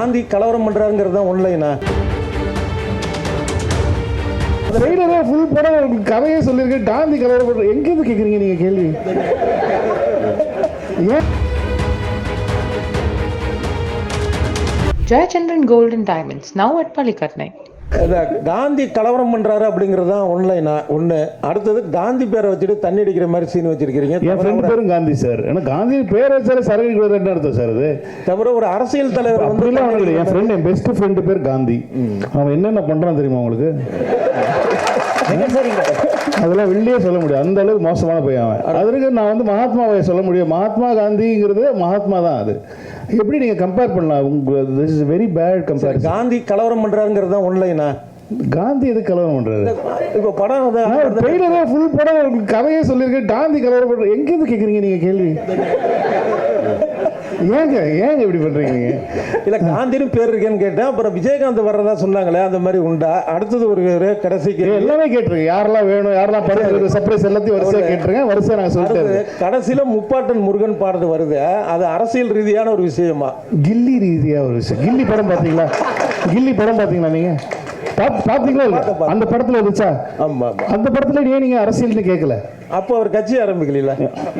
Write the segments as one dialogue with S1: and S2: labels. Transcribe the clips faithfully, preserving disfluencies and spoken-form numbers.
S1: காந்தி கலவரம் பண்றாருங்கிறது தான் ஒன்லைனா?
S2: ட்ரெய்லரே ஃபுல் படம் கதையே சொல்லியிருக்கேன். காந்தி கலவரம் பண்ற எங்கேருந்து கேட்குறீங்க நீங்கள் கேள்வி? ஏன்
S3: Jayachandran Gold and Diamonds, now at Palikatnai.
S1: Gandhi கலவரம் பண்றாரு அப்படிங்கிறது தான் ஒன்லைனா ஒன்று. அடுத்தது காந்தி பேரை வச்சுட்டு தண்ணி அடிக்கிற மாதிரி சீன் வச்சிருக்கிறீங்க.
S2: என் ஃப்ரெண்ட் பேரும் காந்தி சார். ஏன்னா காந்தி பேர் வச்சாலே சரக்கு என்ன அர்த்தம் சார்? அது
S1: தவிர ஒரு அரசியல் தலைவர் வந்து
S2: என் ஃப்ரெண்ட் என் பெஸ்ட் ஃப்ரெண்டு பேர் காந்தி. அவன் என்னென்ன பண்றான் தெரியுமா உங்களுக்கு? அதெல்லாம் வெளியே சொல்ல முடியும், அந்த அளவுக்கு மோசமான பையன் அவன். அதற்கு நான் வந்து மகாத்மாவை சொல்ல முடியும். மகாத்மா காந்திங்கிறது மகாத்மா தான். அது எப்படி நீங்க கம்பேர் பண்ணலாம்? This is very bad compare.
S1: Gandhi கலவரம் பண்றாருங்கிறது தான் ஒன்லைனா?
S2: காந்தி எது கலவரம் பண்றாரு?
S1: இப்போ படம்
S2: ட்ரெய்லரே ஃபுல் படம் கதையே சொல்லியிருக்கேன். காந்தி கலவரம் பண்ற எங்கேருந்து கேட்குறீங்க நீங்க கேள்வி? ஏங்க ஏங்க இப்படி பண்றீங்க நீங்க?
S1: இல்ல காந்தின்னு பேர் இருக்கேன்னு கேட்டேன். அப்புறம் விஜயகாந்த் வர்றதா சொன்னாங்களே, அந்த மாதிரி உண்டா? அடுத்தது ஒரு கடைசிக்கு
S2: எல்லாமே கேட்டிருக்கேன். யாரெல்லாம் வேணும், யாரெல்லாம் படம் சர்ப்ரைஸ் எல்லாத்தையும் வரிசையா கேட்டிருக்கேன். வரிசையா நான் சொல்லிட்டேன்.
S1: கடைசியில முப்பாட்டன் முருகன் பாடுறது வருது. அது அரசியல் ரீதியான ஒரு விஷயமா?
S2: கில்லி ரீதியா ஒரு விஷயம். கில்லி படம் பாத்தீங்களா? கில்லி படம் பாத்தீங்களா நீங்க? பாத்தீங்களா? அந்த படத்துல இருந்துச்சா?
S1: ஆமா.
S2: அந்த படத்துல ஏன் நீங்க அரசியல்னு கேட்கல?
S1: அப்போ அவர் கட்சி ஆரம்பிக்கல.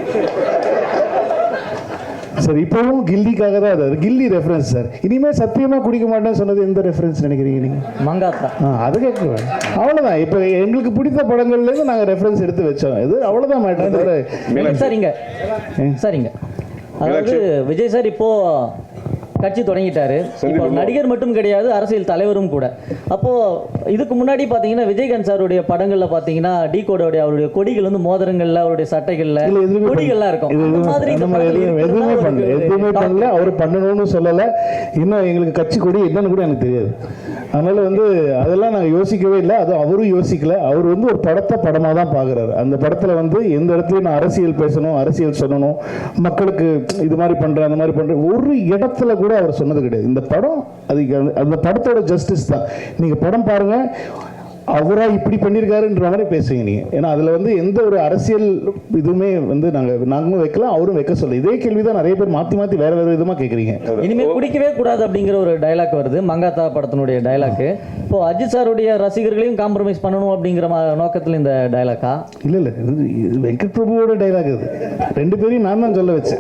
S2: சார் இப்பவும் கில்லிக்காக தான் அது. Ghilli reference sir. இனிமே சத்தியமா குடிக்க மாட்டேன்னு சொன்னது எந்த ரெஃபரன்ஸ் நினைக்கிறீங்க நீங்க?
S4: மங்காத்தா.
S2: அது கேட்குவேன். அவ்வளவுதான். இப்போ எங்களுக்கு பிடித்த படங்கள்ல இருந்து நாங்க ரெஃபரன்ஸ் எடுத்து வச்சோம். இது அவ்வளவுதான் மேட்டர்.
S4: சரிங்க சரிங்க. அதாவது விஜய் சார் இப்போ கட்சி தொடங்கிட்டாரு. இப்போ நடிகர் மட்டும் கிடையாது, அரசியல் தலைவரும் கூட. அப்போ இதுக்கு முன்னாடி பாத்தீங்கன்னா விஜயகாந்த் சாருடைய படங்கள்ல பாத்தீங்கன்னா டி கோடோடைய அவருடைய கொடிகள் வந்து மோதிரங்கள்ல, அவருடைய சட்டைகள்ல கொடிகள்லாம் இருக்கும். அந்த மாதிரி
S2: எதுவுமே பண்ணல, எதுவுமே பண்ணல. அவர் பண்ணணும்னு சொல்லல. இன்னும் எங்களுக்கு கட்சி கொடி என்னன்னு கூட எனக்கு தெரியாது. அதனால வந்து அதெல்லாம் நாங்கள் யோசிக்கவே இல்லை. அது அவரும் யோசிக்கல. அவர் வந்து ஒரு படத்தை படமாக தான் பார்க்குறாரு. அந்த படத்தில் வந்து எந்த இடத்துலையும் நான் அரசியல் பேசணும், அரசியல் சொல்லணும், மக்களுக்கு இது மாதிரி பண்ணுறேன், அந்த மாதிரி பண்ணுறேன், ஒரு இடத்துல கூட அவர் சொன்னது கிடையாது. இந்த படம் அது அந்த படத்தோட ஜஸ்டிஸ் தான். நீங்கள் படம் பாருங்கள், அவரா இப்படி பண்ணியிருக்காருன்ற மாதிரி பேசுவீங்க நீங்க. ஏன்னா அதுல வந்து எந்த ஒரு அரசியல் இதுவுமே வந்து நாங்க நாங்களும் வைக்கலாம், அவரும் வைக்க சொல்ல. இதே கேள்விதான் நிறைய பேர் மாத்தி மாத்தி வேற வேற விதமா கேக்குறீங்க.
S4: இனிமே குடிக்கவே கூடாது அப்படிங்கிற ஒரு டயலாக் வருது, மங்காத்தா படத்தினுடைய டயலாக். இப்போ அஜித் சாருடைய ரசிகர்களையும் காம்ப்ரமைஸ் பண்ணணும் அப்படிங்கிற நோக்கத்தில் இந்த டயலாக்கா?
S2: இல்ல இல்ல, இது வெங்கட் பிரபுவோட டயலாக். இது ரெண்டு பேரையும் நான் தான் சொல்ல வச்சேன்.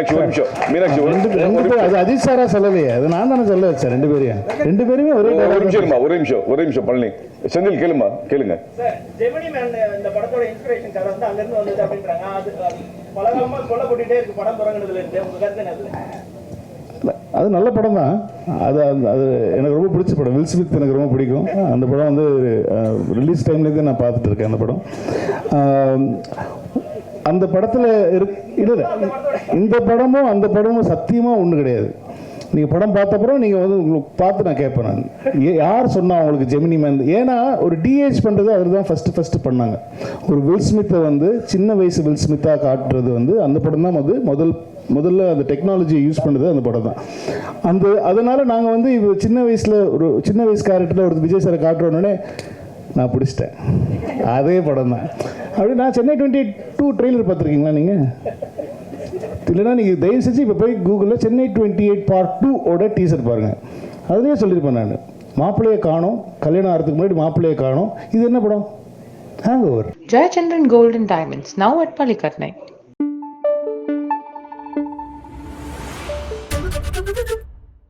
S2: அது அஜித் சாரா சொல்லலையே, அது நான் தானே சொல்ல வச்சேன். ரெண்டு பேரையும் ரெண்டு பேருமே ஒரே டயலாக்.
S5: ஒரே நிமிஷம் ஒரே நிமிஷம் பழனி செந்தில் கேளுமா கேளுங்க.
S6: ஜெமினி மேன் இந்த படத்தோட இன்ஸ்பிரேஷன் கதை வந்து அங்க இருந்து வந்தது அப்படின்றாங்க. அது பலகாலமா சொல்லப்பட்டுட்டே இருக்கு படம் தொடங்குனதுல இருந்து. உங்க கருத்து என்ன?
S2: அது நல்ல படம் தான். அது அது எனக்கு ரொம்ப பிடிச்ச படம். வில் ஸ்மித் எனக்கு ரொம்ப பிடிக்கும். அந்த படம் வந்து ரிலீஸ் டைம்லேருந்து நான் பார்த்துட்டு இருக்கேன். அந்த படம் அந்த படத்தில் இல்லை, இந்த படமும் அந்த படமும் சத்தியமாக ஒன்றும் கிடையாது. நீங்கள் படம் பார்த்த அப்புறம் நீங்கள் வந்து உங்களுக்கு பார்த்து நான் கேட்பேன், நான் யார் சொன்னா உங்களுக்கு ஜெமினி மேன்? ஏன்னா ஒரு டிஏஜ் பண்ணுறது அவர் தான் ஃபஸ்ட்டு ஃபஸ்ட்டு பண்ணாங்க. ஒரு வில் ஸ்மித்தை வந்து சின்ன வயசு வில் ஸ்மித்தாக காட்டுறது வந்து அந்த படம் தான் வந்து முதல் முதல்ல அந்த டெக்னாலஜியை யூஸ் பண்ணுறது அந்த படம் தான். அந்த அதனால் நாங்கள் வந்து இப்போ சின்ன வயசில் ஒரு சின்ன வயசு கேரக்டரில் ஒரு விஜய் சாரை காட்டுறோன்னே நான் பிடிச்சிட்டேன். அதே படம் தான். அப்படி நான் சென்னை டுவெண்ட்டி டூ ட்ரெய்லர் பார்த்துருக்கீங்களா நீங்கள்? இல்லைன்னா நீங்கள் தயவு செஞ்சு இப்போ போய் கூகுளில் Chennai twenty eight part two ஓட டீசர் பாருங்கள். அதுலேயே சொல்லியிருப்பேன் நான், மாப்பிள்ளையை காணோம், கல்யாணம் ஆகிறதுக்கு முன்னாடி மாப்பிள்ளையை காணோம். இது என்ன படம்? Hangover.
S3: Jayachandran Gold and Diamonds, now at Palikatnai.